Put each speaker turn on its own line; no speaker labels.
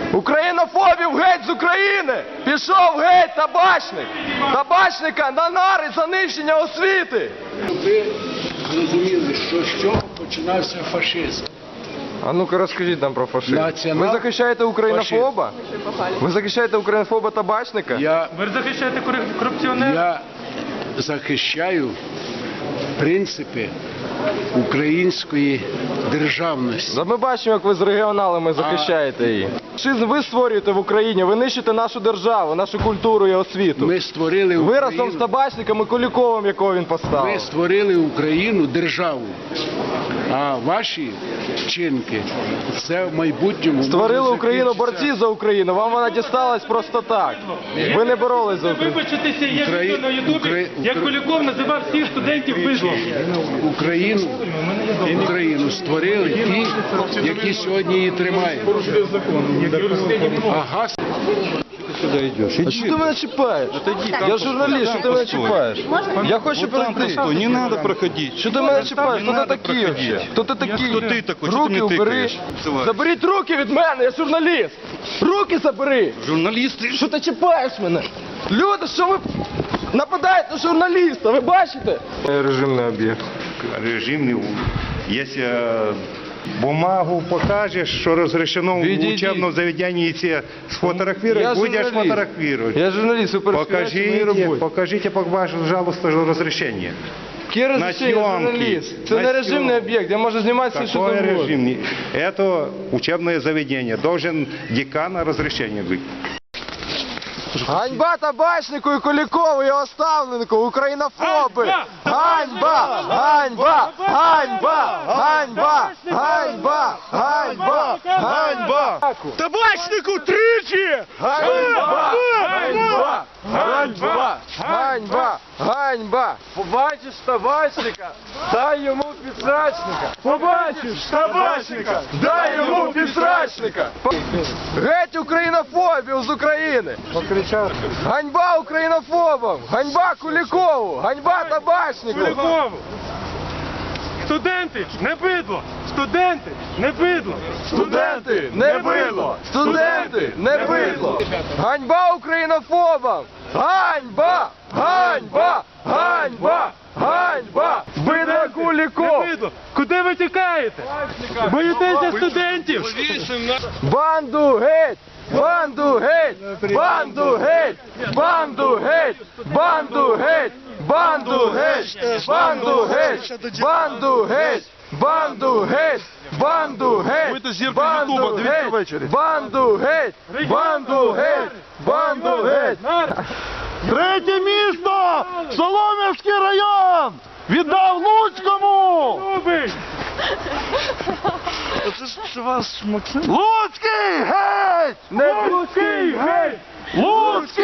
Українофобів геть з України! Пішов геть табачник! Табачника на нари за нищення освіти!
Ви зрозуміли, що з чого починався фашизм.
А ну-ка розкажіть нам про фашизм. Ви захищаєте українофоба? Ви захищаєте українофоба табачника?
Ви захищаєте корупціонера?
Я захищаю принципи української державності.
Ми бачимо, як ви з регіоналами захищаєте її. Фашизм ви створюєте в Україні, ви нищите нашу державу, нашу культуру і освіту.
Ми створили
Ви
Україну.
разом з табачником і Куліковим, якого він поставив.
Ми створили Україну, державу. А ваші вчинки – це в майбутньому...
Створили Україну борці за Україну, вам вона дісталась просто так. Ви не боролись за Україну.
Вибачитися, є відео на Ютубі, як Куліков називав всіх студентів бидлом.
Україну створили ті, які сьогодні її тримають. Ага.
Сюда идешь.
А що ти мене чіпаєш? Я журналіст, що ти мене чіпаєш? Я хочу пройти.
Не надо проходить.
Що ти мене чіпаєш? Хто ти такий вообще? Хто ти такий?
Хто ти такий? Що ти
Руки
мені
убери.
тикаєш?
Заберіть руки від мене, я журналіст. Руки забери.
Журналисты.
Що ти чіпаєш мене? Люди, що ви нападаєте на журналіста, ви бачите? Режимний об'єкт.
Режимный. Если бумагу покажешь, что разрешено в учебном заведении тебе сфотографировать, будешь фотографировать.
Я журналіст, ви перешкоджаєте моїй роботі.
Покажите, пожалуйста, разрешение.
Яке розрішення, журналіст? Це не режимний об'єкт, я можу знімати все, що
Какое
завгодно.
режимный? Это учебное заведение. Должен декана разрешение быть.
Ганьба табачнику і Кулікову, його ставленнику, українофоби! Ганьба! Ганьба! Ганьба! Ганьба! Ганьба! Ганьба! Ганьба!
Табачнику тричі!
Ганьба! Ганьба! Ганьба! Ганьба! Ганьба! Побачиш табачника, дай йому підсрачника! Побачиш табачника, дай йому підсрачника! Геть українофобів з України! Ганьба українофобам! Ганьба Кулікову! Ганьба табачнику!
Кулікову! Студенти, не бидло! Студенти, не бидло!
Студенти, не бидло! Студенти, не бидло! Ганьба українофобам! Ганьба! Ганьба! Ганьба! Ганьба! Бидло Куліков!
Не бидло! Куди ви тікаєте? Боїтеся студентів?
Банду геть! Банду геть! Банду геть! Банду геть! Банду геть! Банду геть! Банду геть! Банду геть! Банду геть! Банду геть!
Ви то зірка Ютуба, дивіться ввечері.
Банду геть! Банду геть! Банду геть!
Третє місто! Солом'янський район! Віддав Луцькому!
Любий!
Це вас Максим? Луцький геть!
Не
Луцький геть!
Луцький!